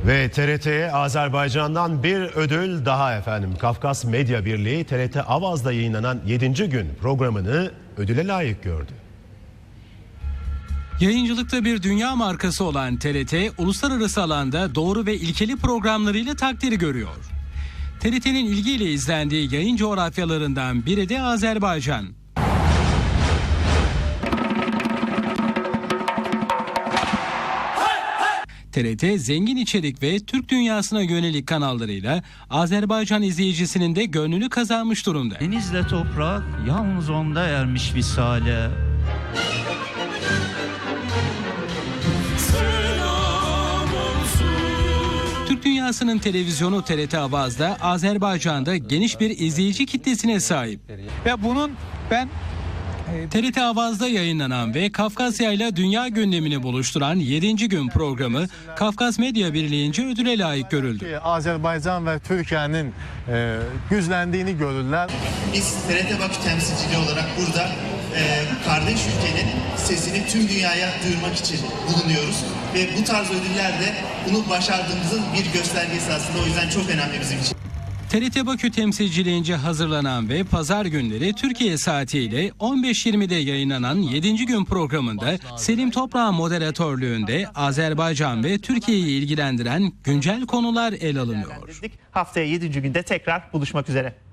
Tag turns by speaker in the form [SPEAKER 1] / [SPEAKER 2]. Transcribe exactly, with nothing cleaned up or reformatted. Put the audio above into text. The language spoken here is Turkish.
[SPEAKER 1] Ve T R T'ye Azerbaycan'dan bir ödül daha efendim. Kafkas Medya Birliği T R T Avaz'da yayınlanan yedinci gün programını ödüle layık gördü.
[SPEAKER 2] Yayıncılıkta bir dünya markası olan T R T, uluslararası alanda doğru ve ilkeli programlarıyla takdiri görüyor. T R T'nin ilgiyle izlendiği yayın coğrafyalarından biri de Azerbaycan. T R T zengin içerik ve Türk dünyasına yönelik kanallarıyla Azerbaycan izleyicisinin de gönlünü kazanmış durumda.
[SPEAKER 3] Denizle toprak yalnız onda ermiş visale.
[SPEAKER 2] Türk dünyasının televizyonu T R T Avaz'da Azerbaycan'da geniş bir izleyici kitlesine sahip.
[SPEAKER 4] Ve bunun ben
[SPEAKER 2] T R T Avaz'da yayınlanan ve Kafkasya ile dünya gündemini buluşturan yedinci gün programı Kafkas Medya Birliği'nce ödüle layık görüldü.
[SPEAKER 5] Azerbaycan ve Türkiye'nin e, güçlendiğini görürler.
[SPEAKER 6] Biz T R T Bakü temsilciliği olarak burada e, kardeş ülkenin sesini tüm dünyaya duyurmak için bulunuyoruz. Ve bu tarz ödüller de bunu başardığımızın bir göstergesi aslında, o yüzden çok önemli bizim için.
[SPEAKER 2] T R T Bakü temsilciliğince hazırlanan ve pazar günleri Türkiye saatiyle on beş yirmide yayınlanan yedinci gün programında Selim Toprak'ın moderatörlüğünde Azerbaycan ve Türkiye'yi ilgilendiren güncel konular ele alınıyor.
[SPEAKER 6] Haftaya yedinci günde tekrar buluşmak üzere.